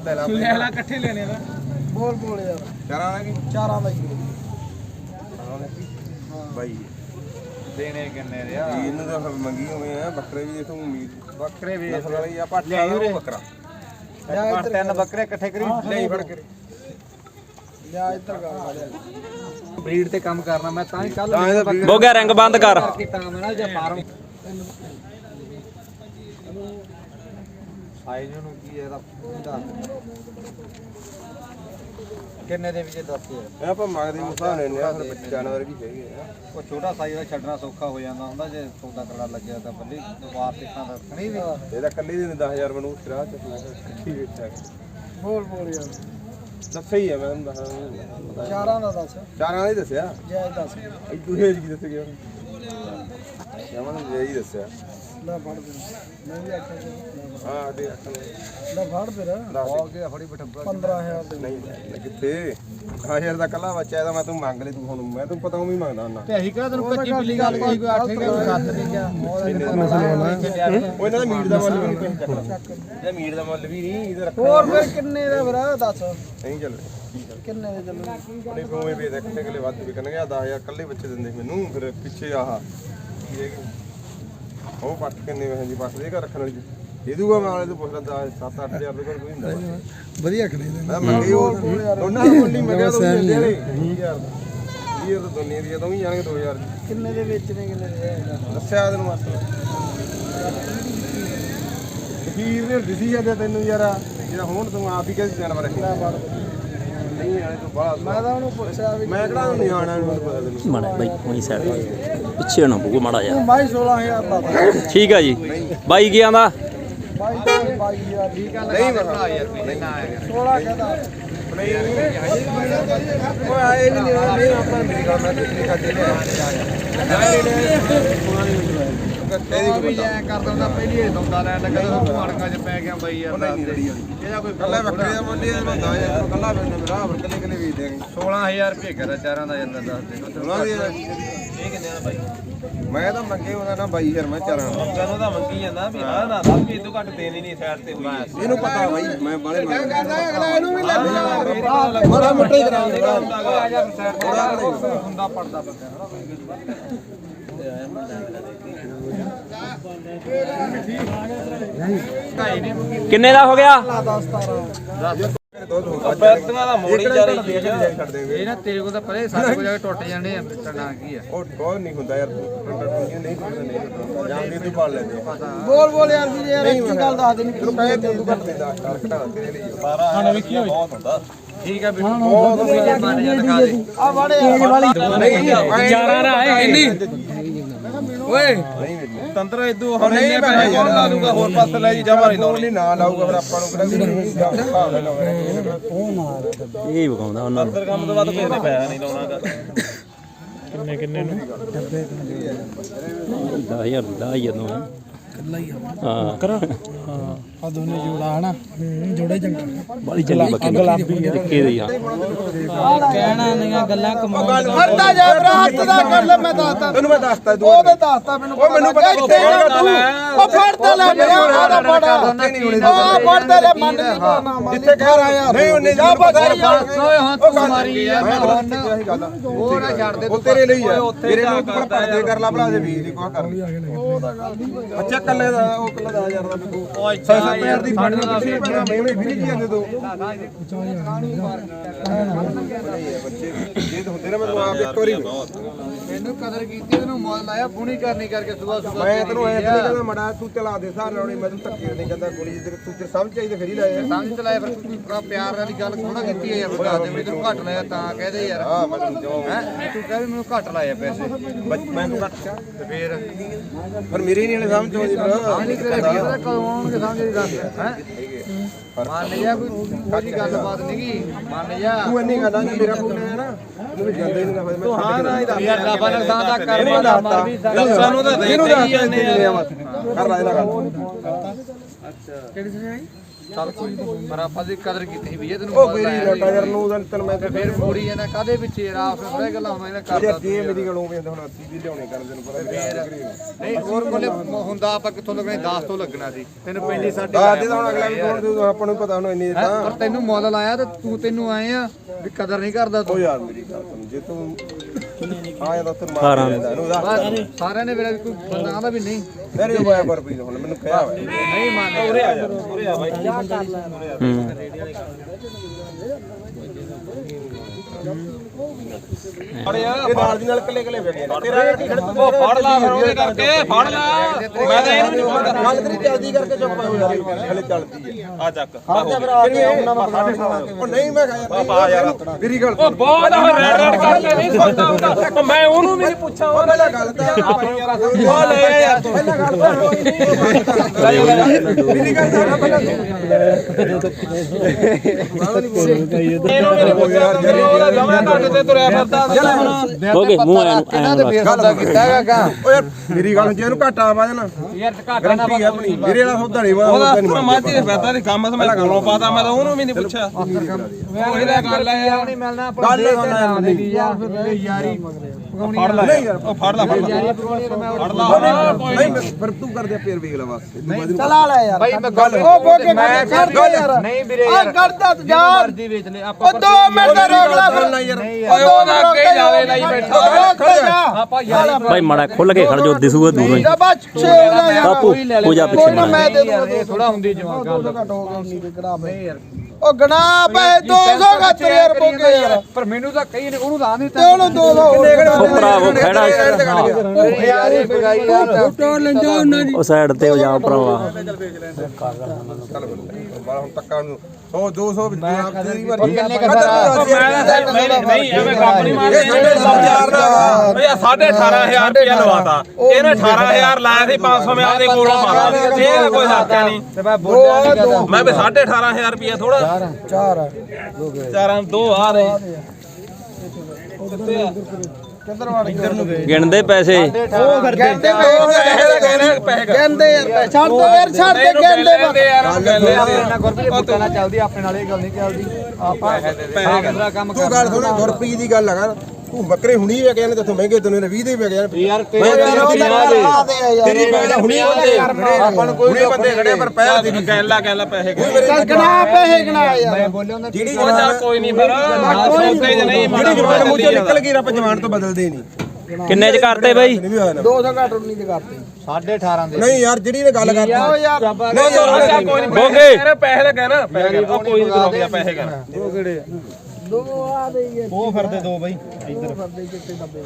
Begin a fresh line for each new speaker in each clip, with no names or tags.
ਲੈ ਲਾ ਇਕੱਠੇ ਲੈਣੇ ਦਾ
ਬੋਲ ਬੋਲ ਯਾਰ
ਚਾਰਾਂ ਦਾ ਕੀ
ਚਾਰਾਂ ਦਾ ਹੀ
ਬਾਈ
ਦੇਣੇ ਕਿੰਨੇ ਦੇ ਆ
ਇਹਨੂੰ ਤਾਂ ਮੰਗੀ ਹੋਵੇ ਆ ਬੱਕਰੇ ਵੀ ਦੇਖੋ ਉਮੀਦ
ਬੱਕਰੇ ਵੀ
ਨਸਲ ਵਾਲੀ ਆ ਪੱਠਾ ਉਹ ਬੱਕਰਾ
ਤਿੰਨ ਬੱਕਰੇ ਇਕੱਠੇ ਕਰੀ
ਨਹੀਂ ਫੜ ਕੇ
ਲਿਆ ਇੱਧਰ ਗਾ
ਬਰੀਡ ਤੇ ਕੰਮ ਕਰਨਾ ਮੈਂ ਤਾਂ ਹੀ ਕੱਲ
ਬੋਗਿਆ ਰਿੰਗ ਬੰਦ ਕਰ
ਕੀਤਾ ਮੈਂ ਨਾ ਜੇ ਫਾਰਮ ਸਾਈਜ਼ ਨੂੰ ਕੀ ਹੈ ਇਹਦਾ ਕਿੰਨੇ ਦੇ ਵਿੱਚ ਦੱਸ
ਇਹ ਆਪਾਂ ਮੰਗਦੇ ਮੁਸਾ ਲੈਣੇ ਆ ਫਿਰ ਜਾਨਵਰ ਵੀ ਹੈਗੇ ਆ
ਉਹ ਛੋਟਾ ਸਾਈਜ਼ ਦਾ ਛੱਡਣਾ ਸੌਖਾ ਹੋ ਜਾਂਦਾ ਹੁੰਦਾ ਜੇ ਸੌਦਾ ਕਰੜਾ ਲੱਗਿਆ ਤਾਂ ਬੱਲੀ ਵਾਰ ਦੇਖਾਂ ਤਾਂ ਰੱਖਣੀ ਵੀ
ਇਹਦਾ ਕੱਲੀ ਦੇ 10000 ਬਣੂ ਸਿਰਾ ਚ ਕੀ ਵੇਚਿਆ
ਬੋਲ ਬੋਲ ਯਾਰ
ਦੱਸਿਆ ਹੀ ਆ ਮੈਂ ਤੁਹਾਨੂੰ ਦੱਸਾਂ
ਚਾਰਾਂ ਦਾ ਦੱਸ
ਚਾਰਾਂ ਦਾ ਹੀ ਦੱਸਿਆ
ਜੈ ਦੱਸ
ਇਦੂ ਹੇਜ ਕੀ ਦੱਸ ਗਿਆ ਜਮਨ ਜੇ ਹੀ ਦੱਸਿਆ
ਲੈ ਫੜ ਦੇ ਮੈਂ ਵੀ ਆਖਿਆ
ਹਾਂ ਦੇ ਅੱਖਾਂ
ਲੈ ਫੜ ਦੇ
ਹੋ ਗਿਆ ਫੜੀ ਬਟੰਬਾ
15000 ਦੇ
ਨਹੀਂ ਕਿੱਥੇ 1000 ਦਾ ਕੱਲਾ ਬੱਚਾ ਇਹਦਾ ਮੈਂ ਤੂੰ ਮੰਗ ਲੈ ਤੂੰ ਹੁਣ ਮੈਂ ਤੈਨੂੰ ਪਤਾ ਉਵੇਂ ਮੰਗਦਾ ਹੁੰਦਾ
ਤੇ ਅਸੀਂ ਕਿਹੜਾ ਤੈਨੂੰ ਕੱਚੀ ਬਿੱਲੀ ਗੱਲ ਕਹੀ ਕੋਈ 8 ਗਿਆ ਕੋਈ 7 ਨਹੀਂ ਗਿਆ
ਉਹ ਇਹਨਾਂ ਦਾ ਮੀਟ ਦਾ ਮੁੱਲ ਵੀ ਨਹੀਂ ਇਹਦਾ ਮੀਟ ਦਾ ਮੁੱਲ ਵੀ ਨਹੀਂ ਇਹਦਾ ਰੱਖਣਾ
ਹੋਰ ਫਿਰ ਕਿੰਨੇ ਦਾ ਫਿਰ ਦੱਸ
ਨਹੀਂ ਚੱਲ
ਕਿੰਨੇ ਦੇ ਚੱਲੂ
ਉਹਨੇ ਉਵੇਂ ਵੀ ਦੇਖਣੇ ਕਿਲੇ ਵੱਧ ਵੀ ਕਰਨਗੇ 10000 ਕੱਲੇ ਬੱਚੇ ਦਿੰਦੇ ਮੈਨੂੰ ਫਿਰ ਪਿੱਛੇ ਆਹ ਕੀ ਹੈ ਉਹ ਪੱਟ ਕਿੰਨੇ ਵੇ ਜੀ ਬਸ ਦੇ ਘਰ ਰੱਖਣ ਵਾਲੀ ਦੇ ਦੂਗਾ ਮੈਂ ਵਾਲੇ ਤੋਂ ਪੁੱਛਦਾ 7-8000 ਦੇ ਕੋਲ ਕੋਈ ਹੁੰਦਾ
ਵਧੀਆ ਖੜੇ
ਮੈਂ ਮੰਗੀ ਉਹ ਦੋਨਾਂ ਦਾ ਮੁੱਲ ਹੀ ਮੰਗਿਆ ਤਾਂ ਦਿੰਦੇ ਵਾਲੇ 20000 ਤਾਂ ਦੁਨੀਆ ਦੀ ਤਾਂ ਵੀ ਜਾਣਗੇ 2000
ਕਿੰਨੇ ਦੇ ਵੇਚਣੇ ਕਿੰਨੇ ਦੇ
ਦੱਸਿਆ ਤੈਨੂੰ ਮਸਲਾ ਅਖੀਰ ਨੇ ਦਿਸੀ ਜਾਂਦੇ ਤੈਨੂੰ ਯਾਰ ਜਿਹੜਾ ਹੁਣ ਤੂੰ ਆਪ ਹੀ ਕਿਸੇ ਜਾਨਵਰ ਰੱਖਿਆ ਨਹੀਂ ਵਾਲੇ ਤੋਂ ਬਾਅਦ
ਮੈਂ ਤਾਂ ਉਹਨੂੰ ਪੁੱਛਿਆ ਵੀ
ਮੈਂ ਕਿਹੜਾ ਨਿਆਣਾ ਨੂੰ ਪਤਾ ਤੈਨੂੰ
ਮਾੜਾ ਬਾਈ ਉਹੀ ਸਾਈਡ ਪਿੱਛੇ ਨਾ ਬੁਗੋ ਮਾੜਾ ਜਾ
ਮਾਈ 16000 ਦਾ
ਠੀਕ ਆ ਜੀ ਬਾਈ ਕੀ ਆਂਦਾ
ਬਾਈ 22000 ਠੀਕ ਆ
ਨਹੀਂ ਭਰਾ ਯਾਰ ਨਹੀਂ ਨਾ ਆਏਗਾ
16 ਕਹਦਾ
ਨਹੀਂ ਉਹ ਆਏ ਨਹੀਂ ਆਪਾਂ ਮੇਰੀ ਗੱਲ ਮੈਂ ਤੇ ਖਾਦੇ ਲੈ
ਤੇਰੀ ਵੀ ਐ ਕਰ ਦਿੰਦਾ ਪਹਿਲੀ ਇਹ ਸੌਦਾ ਲੈਣ ਲੱਗਾ ਤਾਂ ਮਾੜਕਾਂ 'ਚ ਪੈ ਗਿਆ ਬਾਈ ਯਾਰ ਇਹਦਾ ਕੋਈ
ਕੱਲਾ ਬੱਕਰੇ ਦਾ ਮੁੱਲ ਇਹ ਬੰਦਾ ਯਾਰ ਕੱਲਾ ਬੰਦਾ ਮੇਰਾ ਹੋਰ ਕੱਲੇ ਕੱਲੇ ਵੇਚ ਦੇਂਗੇ
16000 ਰੁਪਏ ਕਰਾ ਚਾਰਾਂ ਦਾ ਜਾਂਦਾ ਦੱਸ ਦੇ
ਇਹ ਕਿੰਨੇ ਦਾ ਬਾਈ ਮੈਂ ਤਾਂ ਮੰਗੇ ਉਹਦਾ ਨਾ 22000 ਮੈਂ ਚਾਰਾਂ ਦਾ
ਤੈਨੂੰ ਤਾਂ ਮੰਗੀ ਜਾਂਦਾ ਵੀ ਹਾਂ ਨਾ ਸਭ ਵੀ ਇਦੋਂ ਘੱਟ ਦੇਣੀ ਨਹੀਂ ਸਾਈਡ ਤੇ ਹੋਈ
ਇਹਨੂੰ ਪਤਾ ਬਾਈ ਮੈਂ ਬਾਲੇ ਮੰਗਦਾ
ਅਗਲਾ ਇਹਨੂੰ ਵੀ ਲੈ
ਬੜਾ ਮੋਟਾ ਹੀ ਕਰਾਂਗੇ
ਆ ਜਾ ਫਿਰ ਸਾਈਡ ਤੇ ਹੁੰਦਾ ਪੜਦਾ ਬੰਦਾ
ਕਿੰਨੇ ਦਾ ਹੋ ਗਿਆ
10 17
ਬੈਤਨਾ ਦਾ ਮੋੜੀ ਜਾ ਰਹੀ
ਛੱਡ ਦੇਂਗੇ
ਇਹ ਨਾ ਤੇਰੇ ਕੋਲ ਤਾਂ ਪਰੇ ਸਾਡੇ ਕੋਲ ਜਾ ਕੇ ਟੁੱਟ ਜਾਂਦੇ ਆ ਟਣਾ ਕੀ ਆ
ਉਹ ਬਹੁਤ ਨਹੀਂ ਹੁੰਦਾ ਯਾਰ ਨਹੀਂ ਟੁੱਟਦਾ ਜਾਂ ਵੀ ਤੂੰ ਪਾਲ ਲੈਂਦੇ
ਬੋਲ ਬੋਲ ਯਾਰ ਜੀ ਯਾਰ ਕੀ ਗੱਲ ਦੱਸ ਦੇ
ਤੈਨੂੰ ਕਹੇ ਤੂੰ ਘੱਟ ਦਿੰਦਾ ਘਟਾ ਤੇਰੇ ਲਈ
12 ਹਾਂ ਵੇਖੀ ਹੋਈ ਬਹੁਤ ਹੁੰਦਾ ਠੀਕ ਆ ਬਿਲਕੁਲ ਬਹੁਤ ਵਧੀਆ ਬਣ ਜਾ ਦਿਖਾ ਦੇ
ਆ ਵਾੜੇ ਵਾਲੀ
ਚਾਰਾਂ ਦਾ ਹੈ ਇੰਨੀ ਓਏ
ਨਹੀਂ
ਤੰਤਰ ਇਦੋਂ ਹੁਣ ਨਹੀਂ ਪੈਣਾ ਲਾ ਦੂਗਾ ਹੋਰ ਪਾਸੇ ਲੈ ਜੀ ਜਮਾ ਨਹੀਂ
ਨਹੀਂ ਨਾ ਲਾਊਗਾ ਫਿਰ ਆਪਾਂ ਨੂੰ ਕਿਹੜਾ
ਇਹ ਵਿਖਾਉਂਦਾ ਉਹਨਾਂ ਨੂੰ
ਕੰਮ ਤੋਂ ਬਾਅਦ ਕੋਈ ਪੈਸਾ ਨਹੀਂ ਲਾਉਣਾਗਾ
ਕਿੰਨੇ ਨੂੰ 10000 ਨੂੰ ਹਾਂ
ਆ ਦੋਨੇ ਜੋੜਾ ਹਨਾ ਜੋੜੇ ਚੰਗਾ
ਬੜੀ ਚੰਗੀ ਬੱਕਰੀ ਗੁਲਾਬੀ ਟਿੱਕੇ ਦੀ ਹਾਂ
ਕਹਿਣਾ ਨਹੀਂ ਗੱਲਾਂ ਕਮਾਉਣ ਫੜਦਾ ਜਾ ਭਰਾ ਹੱਥ ਦਾ ਕਰ ਲੈ ਮੈਂ ਦੱਸਦਾ
ਤੈਨੂੰ ਮੈਂ ਦੱਸਤਾ ਤੂੰ
ਉਹ ਤੇ ਦੱਸਦਾ ਮੈਨੂੰ
ਉਹ ਮੈਨੂੰ ਪਤਾ ਕਿੱਥੇ ਹੈਗਾ ਤੂੰ
ਉਹ ਫੜਦਾ ਲੈ ਮੇਰਾ ਆਦਾ ਫੜ ਉਹ ਫੜਦਾ ਲੈ ਮੰਨ ਨਹੀਂ ਪਾਣਾ
ਜਿੱਥੇ ਕਹਿ ਰਹਾ ਯਾਰ ਨਹੀਂ ਉਹਨੇ ਜਾ ਪਤਾ
ਓਏ ਹੱਥ ਮਾਰੀ ਯਾਰ
ਉਹ ਨਾ ਛੱਡ ਦੇ ਉਹ ਤੇਰੇ ਲਈ ਆ ਤੇਰੇ ਨੂੰ ਤੂੰ ਪਰਦੇ ਕਰ ਲਾ ਭਲਾ ਦੇ ਵੀਰ ਦੀ ਕੋਹ ਕਰ ਅੱਛਾ ਕੱਲੇ ਦਾ ਉਹ ਕੱਲਾ 10000 ਦਾ ਬਿਕੂ ਓਏ 6000 ਦੀ ਫੜ ਲਾ ਮੈਂ ਵੀ ਕੀ ਜਾਂਦੇ ਦੋ ਬੱਚੇ ਇਹ ਹੁੰਦੇ ਨਾ ਮੈਨੂੰ ਆਪ ਇੱਕ ਵਾਰੀ
ਮੈਨੂੰ ਕਦਰ ਕੀਤੀ ਤੈਨੂੰ ਮੁੱਲ ਲਾਇਆ ਪੂਣੀ ਕਰਨੀ ਕਰਕੇ ਸੁਬਾ ਸੁਬਾ
ਮੈਂ ਤੈਨੂੰ ਐਂ ਨਹੀਂ ਕਹਿੰਦਾ ਮੜਾ ਤੂੰ ਚਲਾ ਦੇ ਸਾਰ ਲਾਉਣੀ ਮੈਂ ਤੈਨੂੰ ਧੱਕੇ ਨਹੀਂ ਕਹਿੰਦਾ ਗੋਲੀ ਤੂੰ ਤੇ ਸਮਝ ਚਾਹੀਦਾ ਫਿਰ ਹੀ ਲਾਇਆ
ਸਮਝ ਤੇ ਲਾਇਆ ਫਿਰ ਬੜਾ ਪਿਆਰ ਵਾਲੀ ਗੱਲ ਥੋੜਾ ਕੀਤੀ ਹੈ ਯਾਰ ਬਤਾ ਦੇ ਵੀ ਤੈਨੂੰ ਘੱਟ ਲਾਇਆ ਤਾਂ ਕਹਦੇ ਯਾਰ
ਹਾਂ ਮੈਂ ਤੈਨੂੰ ਜਵਾਬ
ਹੈ ਤੂੰ ਕਹੇ ਮੈਨੂੰ ਘੱਟ ਲਾਇਆ ਪੈਸੇ
ਮੈਂ ਤੂੰ ਘੱਟ
ਤੇ ਫੇਰ
ਪਰ ਮੇਰੇ ਨਹੀਂ ਵਾਲੇ ਸਮਝ ਆਉਂਦੀ
ਨਹੀਂ ਤੇਰੇ ਵੀਰ ਦਾ ਕਦੋਂ ਆਉਣਗੇ ਸਮਝ ਨਹੀਂ ਦੱਸ ਹੈ ਮੰਨ ਜਾ ਕੋਈ ਗੱਲਬਾਤ ਨਹੀਂਗੀ ਮੰਨ ਜਾ
ਤੂੰ ਇੰਨੀ ਗੱਲਾਂ ਨਹੀਂ ਮੇਰਾ ਕੋਲ ਹੈ ਨਾ ਤੂੰ ਵੀ ਜਾਂਦਾ ਹੀ ਨਹੀਂ ਮੈਂ
ਤੂੰ ਹਾਂ ਨਾ ਯਾਰ ਰੱਬ ਨੁਕਸਾਨ ਦਾ ਕਰਮਾ ਦਾ ਮਰ ਵੀ ਸਾਨੂੰ ਤਾਂ ਦੇ ਹੀ ਜਾਂਦੇ ਆ
ਕਰ ਰਾਇ ਲਗਾ
ਅੱਛਾ ਕਿਹੜੀ ਸੁਣਾਈ ਚੱਲ ਪਰ ਆਪਾਂ ਦੀ ਕਦਰ ਕੀਤੀ ਵੀ ਇਹ ਤੈਨੂੰ
ਉਹ ਮੇਰੀ ਲੋਟਾ ਯਾਰ ਨੂੰ ਤੈਨੂੰ ਮੈਂ
ਤੇ ਫਿਰ ਮੋੜੀ ਜਾਂਦਾ ਕਾਦੇ ਵਿੱਚ ਯਾਰ ਆਪ ਥੋੜੇ ਗੱਲਾਂ ਹੋਣਾ ਇਹਨਾਂ ਕਰਦਾ
ਯਾਰ ਜੇ ਮੇਰੀ ਗੱਲ ਹੋਵੇ ਤਾਂ ਹੁਣ 80 ਵੀ ਲਿਆਉਣੇ ਕਰ ਤੈਨੂੰ ਪਤਾ
ਨਹੀਂ ਹੋਰ ਕੋਲੇ ਹੁੰਦਾ ਆਪਾਂ ਕਿੱਥੋਂ ਲੱਗਣੇ 10 ਤੋਂ ਲੱਗਣਾ ਸੀ ਤੈਨੂੰ ਪਹਿਲੀ ਸਾਡੇ
ਦੇ ਤਾਂ ਹੁਣ ਅਗਲਾ ਵੀ ਕੌਣ ਆਪਾਂ ਨੂੰ ਪਤਾ ਹੁਣ ਇੰਨੀ ਤਾਂ
ਪਰ ਤੈਨੂੰ ਮੁੱਲ ਲਾਇਆ ਤੇ ਤੈਨੂੰ ਆਏ ਆ ਵੀ ਕਦਰ ਨਹੀਂ ਕਰਦਾ
ਉਹ
ਤੂੰ
ਯਾਰ ਮੇਰੀ ਗੱਲ ਸੁਣ ਜੇ ਤੂੰ ਆਇਆ ਤਾਂ ਤੈਨੂੰ ਮਾਰ ਦਿੰਦਾ ਇਹਨੂੰ ਦੱਸ
ਸਾਰਿਆਂ ਨੇ ਮੇਰਾ ਕੋਈ ਬੰਦਾ ਆਂਦਾ ਵੀ ਨਹੀਂ
ਮੇਰੇ ਹੋਇਆ ਪਰ ਵੀ ਹੁਣ ਮੈਨੂੰ ਕਿਹਾ ਹੋਇਆ
ਨਹੀਂ ਮੰਨਦੇ
ਉਰੇ ਆ ਯਾਰ ਉਰੇ ਆ ਬਾਈ ਇਹ ਨਾਲ ਦੀ ਨਾਲ ਕੱਲੇ ਕੱਲੇ ਵੇਖੇ ਤੇਰਾ ਕੀ ਖੜ
ਉਹ ਫੜ ਲਾ ਫਿਰ ਉਹਦੇ ਕਰਕੇ ਫੜ ਲਾ ਮੈਂ ਤਾਂ ਇਹਨੂੰ ਨਹੀਂ ਪਤਾ
ਗੱਲ ਤੇਰੀ ਚੱਲਦੀ ਕਰਕੇ ਚੁੱਪ ਹੋ ਯਾਰ ਹਲੇ ਚੱਲਦੀ ਹੈ
ਆ ਚੱਕ
ਉਹ ਨਹੀਂ ਮੈਂ ਕਿਹਾ ਯਾਰ ਮੇਰੀ ਗੱਲ
ਉਹ ਬਹੁਤ ਰੈਡ ਰੈਡ ਕਰਕੇ ਨਹੀਂ ਸੁਣਦਾ ਹੁੰਦਾ ਮੈਂ ਉਹਨੂੰ ਵੀ ਨਹੀਂ ਪੁੱਛਾਂ ਉਹ
ਪਹਿਲਾਂ ਗੱਲ ਤਾਂ
ਉਹ ਲੈ ਯਾਰ ਤੂੰ
ਪਹਿਲਾਂ ਗੱਲ ਤਾਂ ਮੇਰੀ ਗੱਲ ਤਾਂ ਪਹਿਲਾਂ
ਇਹਨੂੰ ਵੀ ਨਹੀਂ ਪੁੱਛਿਆ ਉਹਦਾ ਜਮਾ ਘੱਟ ਤੇ ਤੁਰਿਆ ਫਿਰਦਾ
ਹੋ ਗਏ ਮੂੰਹ ਆਇਆ
ਕਿਹਨਾਂ ਤੇ ਫੇਰ ਸੌਦਾ ਕੀਤਾ ਹੈਗਾ
ਓ ਯਾਰ ਮੇਰੀ ਗੱਲ ਜੇ ਇਹਨੂੰ ਘਾਟਾ ਆ ਜਾਣਾ
ਯਾਰ ਘਾਟਾ ਨਾ
ਗਰੰਟੀ ਆਪਣੀ ਮੇਰੇ ਵਾਲਾ ਸੌਦਾ ਨਹੀਂ ਵਾ
ਉਹਦਾ ਮਾਝੀ ਦੇ ਫਿਰਦਾ ਦੀ ਕੰਮ ਮੈਂ ਕੋਲੋਂ ਪਾਤਾ ਮੈਂ ਤਾਂ ਉਹਨੂੰ ਵੀ ਨਹੀਂ ਪੁੱਛਿਆ ਉਹੀ ਤਾਂ ਗੱਲ ਆ ਯਾਰ
ਨਹੀਂ ਮਿਲਣਾ
ਗੱਲ ਨਾ
ਦੇ ਦੀ ਯਾਰ ਯਾਰੀ
ਫੜ ਲੈ
ਨਹੀਂ ਯਾਰ
ਉਹ ਫੜ ਲੈ ਫੜ ਲੈ
ਯਾਰੀ ਪਰੋਣੀ ਤੇ ਮੈਂ
ਫੜ ਲਾ
ਨਹੀਂ ਫਿਰ ਤੂੰ ਕਰਦੇ ਫੇਰ ਵੇਖ ਲੈ ਬਸ
ਚਲਾ ਲੈ ਯਾਰ ਭਾਈ ਮੈਂ ਗੱਲ
ਉਹ ਬੋਕੇ
ਮੈਂ
ਕਰ ਯਾਰ
ਨਹੀਂ ਵੀਰੇ ਯਾਰ
ਕਰਦਾ ਤੂੰ ਜਾ
ਮਰਜ਼ੀ ਵੇਚ ਲੈ ਆਪਾਂ
2 ਮਿੰਟ ਦਾ ਰੋਕ ਲੈ ਫਿਰ ਯਾਰ
ਓਏ ਉਹਦਾ ਅੱਗੇ ਜਾਵੇ ਲਈ ਬੈਠਾ
ਆਪਾਂ ਯਾਰੀ
ਭਾਈ ਮਾੜਾ ਖੁੱਲ ਕੇ ਖੜ ਜੋ ਦਿਸੂਗਾ ਦੂਰੋਂ ਹੀ
ਬਸ ਛੇਲਾ ਯਾਰ
ਬਾਪੂ ਪੂਜਾ ਪਿੱਛੇ ਮਾੜਾ
ਮੈਂ ਦੇ ਦੂੰਗਾ
ਇਹ ਥੋੜਾ ਹੁੰਦੀ ਜਵਾਨ ਗੱਲ
ਘਟ ਹੋ ਗਿਆ ਨਹੀਂ ਕਿਹੜਾ ਨਹੀਂ ਯਾਰ ਉਹ ਗਣਾ ਪੈ 270 ਯਾਰ ਬੋਕੇ ਯਾਰ
ਪਰ ਮੈਨੂੰ ਤਾਂ ਕਹੀ ਨੇ ਉਹਨੂੰ ਤਾਂ ਨਹੀਂ
ਤੇ ਉਹਨੂੰ 200
ਉਹ ਭਰਾਵੋ ਖੜਾ
ਯਾਰ ਇਹ ਬਗਾਈ ਯਾਰ
ਟੋਰ ਲੈਂਦਾ ਉਹਨਾਂ ਦੀ
ਉਹ ਸਾਈਡ ਤੇ ਹੋ ਜਾ ਭਰਾਵਾ
ਚੱਲ ਬਾਹਰ ਹੁਣ ਤੱਕਾਂ ਨੂੰ 100 200 ਵਿੱਚ ਆਪ ਤੇਰੀ ਵਾਰੀ
ਕਿੰਨੇ ਕਸਰਾ
ਨਹੀਂ ਐਵੇਂ ਕੰਮ ਨਹੀਂ ਮਾਰਦੇ ਓਏ 18500 ਰੁਪਇਆ ਲਵਾਤਾ ਇਹਨੇ 18000 ਲਾਇਆ ਸੀ 500 ਮੈਂ ਆਪਦੇ ਕੋਲੋਂ ਪਾਤਾ ਇਹ ਕੋਈ ਹੱਕਾ ਨਹੀਂ
ਤੇ ਮੈਂ ਬੋਲਿਆ ਨਹੀਂ ਕਹਦਾ
ਮੈਂ ਵੀ 18500 ਰੁਪਇਆ ਥੋੜਾ
4
ਚਾਰਾਂ ਦੋ ਆ ਰਹੇ ਕਿੱਥੇ ਆ
ਕਿੱਧਰ ਵੜ ਇੱਧਰ ਨੂੰ ਗਏ
ਗਿਣਦੇ ਪੈਸੇ
ਉਹ ਕਰਦੇ ਕਹਿੰਦੇ ਯਾਰ ਛੱਡ ਦੋ ਯਾਰ ਛੱਡ ਦੇ ਕਹਿੰਦੇ
ਨਾ ਗੁਰਪ੍ਰੀਤ ਬੁੱਕਾ ਨਾਲ ਚੱਲਦੀ ਆਪਣੇ ਨਾਲ ਇਹ ਗੱਲ ਨਹੀਂ ਚੱਲਦੀ ਆਪਾਂ ਦੂਸਰਾ ਕੰਮ
ਤੂੰ ਗੱਲ ਸੁਣ ਗੁਰਪ੍ਰੀਤ ਦੀ ਗੱਲ ਲਗਾ ਤੂੰ ਬੱਕਰੇ ਹੁਣੀ ਵੇ ਕਹਿੰਦੇ ਤੈਨੂੰ ਮਹਿੰਗੇ ਤੈਨੂੰ 20 ਦੇ ਵੇ ਗਏ
ਯਾਰ
ਤੇਰੀ ਗੱਲ ਹੁਣੀ ਆਪਾਂ ਨੂੰ ਕੋਈ ਬੰਦੇ ਖੜੇ ਪਰ ਪਹਿਲ ਦੀ
ਕਹਿਲਾ ਪੈਸੇ
ਗਣਾ ਪੈਸੇ ਗਣਾ ਯਾਰ
ਮੈਂ ਬੋਲਿਆ ਉਹਨਾਂ
ਜਿਹੜੀ
ਉਹ ਚੱਲ ਕੋਈ ਨਹੀਂ ਫਿਰ ਸੌਦੇ ਚ ਨਹੀਂ
ਜਿਹੜੀ ਜਵਾਨ ਮੂੰਹ ਚੋਂ ਨਿਕਲ ਗਈ ਰੱਬ ਜਵਾਨ ਤੋਂ ਬਦਲਦੇ ਨਹੀਂ
ਕਿੰਨੇ ਚ ਕਰਤੇ ਬਾਈ
200 ਘੱਟ ਨਹੀਂ ਤੇ ਕਰਤੇ
18.5 ਦੇ
ਨਹੀਂ ਯਾਰ ਜਿਹੜੀ ਨੇ ਗੱਲ ਕਰਤੀ
ਨਹੀਂ ਯਾਰ ਕੋਈ ਨਹੀਂ
ਬੋਗੇ
ਤੇਰੇ ਪੈਸੇ ਤਾਂ ਕਹਿਣਾ ਪੈਸੇ ਉਹ ਕੋਈ ਨਹੀਂ ਦਵਾਉਂਦਾ ਪੈਸੇ ਕਹਿਣਾ
ਉਹ ਕਿਹੜੇ
ਉਹ ਫਿਰਦੇ ਦੋ ਬਾਈ ਇੱਧਰ ਫਿਰਦੇ ਕਿੱਥੇ ਦੱਬੇ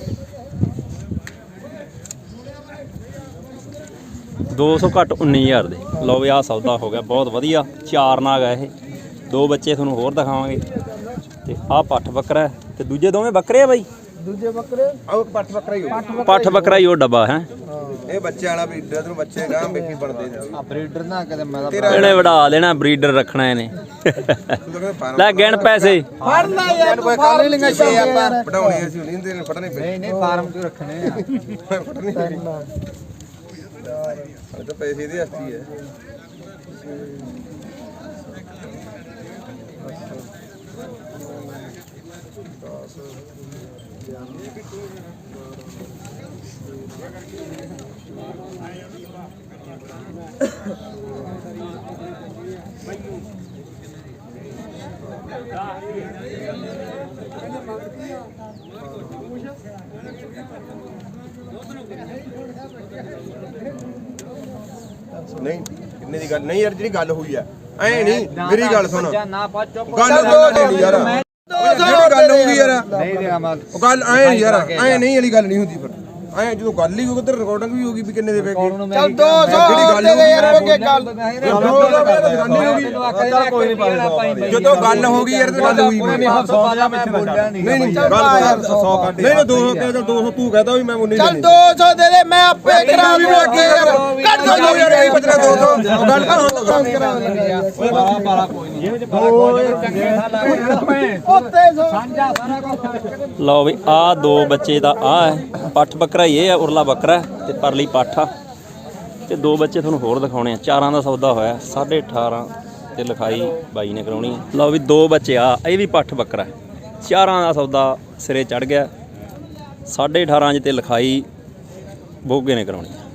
200 ਘੱਟ 19000 ਦੇ ਲਓ ਵੀ ਆਹ ਸੌਦਾ ਹੋ ਗਿਆ ਬਹੁਤ ਵਧੀਆ 4 ਨਾਗ ਆ ਇਹ 2 ਬੱਚੇ ਤੁਹਾਨੂੰ ਹੋਰ ਦਿਖਾਵਾਂਗੇ ਤੇ ਆਹ ਪੱਠ ਬੱਕਰਾ ਹੈ ਤੇ ਦੂਜੇ ਦੋਵੇਂ ਬੱਕਰੇ ਆ ਬਾਈ
ਦੂਜੇ ਬੱਕਰੇ ਆਹ ਪੱਠ ਬੱਕਰਾ ਹੀ ਹੋ
ਪੱਠ ਬੱਕਰਾ ਹੀ ਉਹ ਡੱਬਾ ਹੈ
ਇਹ ਬੱਚੇ ਵਾਲਾ ਬਰੀਡਰ ਨੂੰ ਬੱਚੇ ਗਾਂ ਵੇਖੀ ਬਣਦੇ ਨੇ
ਆ ਬਰੀਡਰ ਨਾ ਕਦੇ ਮੈਂ
ਇਹਨੇ ਵੜਾ ਦੇਣਾ ਬਰੀਡਰ ਰੱਖਣਾ ਇਹਨੇ ਲੈ ਗਿਣ ਪੈਸੇ
ਫੜ ਲੈ ਯਾਰ
ਕੋਈ ਕੰਮ ਨਹੀਂ ਲਿੰਗਾ ਛੇ ਆਪਾਂ
ਪੜਾਉਣੇ ਅਸੀਂ ਨਹੀਂ ਦੇ ਫੜਨੇ ਪਏ
ਨਹੀਂ ਨਹੀਂ ਫਾਰਮ ਚ ਰੱਖਣੇ ਆ
ਫੜਨੇ ਇਹ ਤਾਂ ਪੈਸੇ ਦੀ ਹਸਤੀ ਹੈ ਨਹੀਂ ਕਿੰਨੇ ਦੀ ਗੱਲ ਨਹੀਂ ਯਾਰ ਜਿਹੜੀ ਗੱਲ ਹੋਈ ਆ ਐ ਨਹੀਂ ਮੇਰੀ ਗੱਲ ਸੁਣ
ਨਾ ਪਾ ਚੁੱਪ
ਗੱਲ ਨਹੀਂ ਯਾਰ ਜਿਹੜੀ ਗੱਲ ਹੋਊਗੀ ਯਾਰ
ਨਹੀਂ ਦੇਗਾ ਮਾਲ
ਉਹ ਗੱਲ ਐ ਨਹੀਂ ਯਾਰ ਐ ਨਹੀਂ ਵਾਲੀ ਗੱਲ ਨਹੀਂ ਹੁੰਦੀ ਫਿਰ ਐ ਜਦੋਂ ਗੱਲ ਹੀ ਉਧਰ ਰਿਕਾਰਡਿੰਗ ਵੀ ਹੋਗੀ ਵੀ ਕਿੰਨੇ ਦੇ ਪੈਗੇ
ਚੱਲ
200 ਜਿਹੜੀ ਗੱਲ ਹੋਊਗੀ ਯਾਰ
ਕੋਈ ਗੱਲ
ਜਦੋਂ ਗੱਲ ਹੋ ਗਈ ਯਾਰ ਤੇ ਗੱਲ ਹੋਈ
ਮੈਂ 100 ਦਾ ਮੈਂ ਬੋਲਿਆ ਨਹੀਂ
ਨਹੀਂ ਨਹੀਂ ਗੱਲ ਯਾਰ 100 ਕੱਢ ਨਹੀਂ 200 ਕਹਿ 200 ਤੂੰ ਕਹਦਾ ਵੀ ਮੈਂ ਮੁੰਨੀ
ਚੱਲ 200 ਦੇ ਦੇ ਮੈਂ ਆਪੇ ਕਰਾ
ਵੀ ਮੈਂ ਅੱਗੇ ਯਾਰ ਕੱਢ ਦੋ ਯਾਰ ਇਹ ਬਚਣਾ 200 ਗੱਲ ਤਾਂ ਹੁਣ
ਕਰਾ ਓਏ ਬਾਰਾ ਕੋਈ ਨਹੀਂ ਸਾਂਝਾ ਸਾਰਾ ਕੁਝ
ਲਓ ਵੀ ਆਹ 2 ਬੱਚੇ ਦਾ ਆਹ ਹੈ ਪੱਠ ਬੱਕਰਾ ਹੀ ਇਹ ਆ ਉਰਲਾ ਬੱਕਰਾ ਤੇ ਪਰਲੀ ਪੱਠ ਆ ਤੇ 2 ਬੱਚੇ ਤੁਹਾਨੂੰ ਹੋਰ ਦਿਖਾਉਣੇ ਆ 4 ਦਾ ਸੌਦਾ ਹੋਇਆ 18.5 ਤੇ ਲਿਖਾਈ ਬਾਈ ਨੇ ਕਰਾਉਣੀ ਹੈ। ਲਓ ਵੀ 2 ਬੱਚੇ ਆ, ਇਹ ਵੀ ਪੱਠ ਬੱਕਰਾ ਚਾਰਾਂ ਦਾ ਸੌਦਾ ਸਿਰੇ ਚੜ ਗਿਆ। 18.5 'ਚ ਤੇ ਲਿਖਾਈ ਬੋਗੇ ਨੇ ਕਰਾਉਣੀ ਹੈ।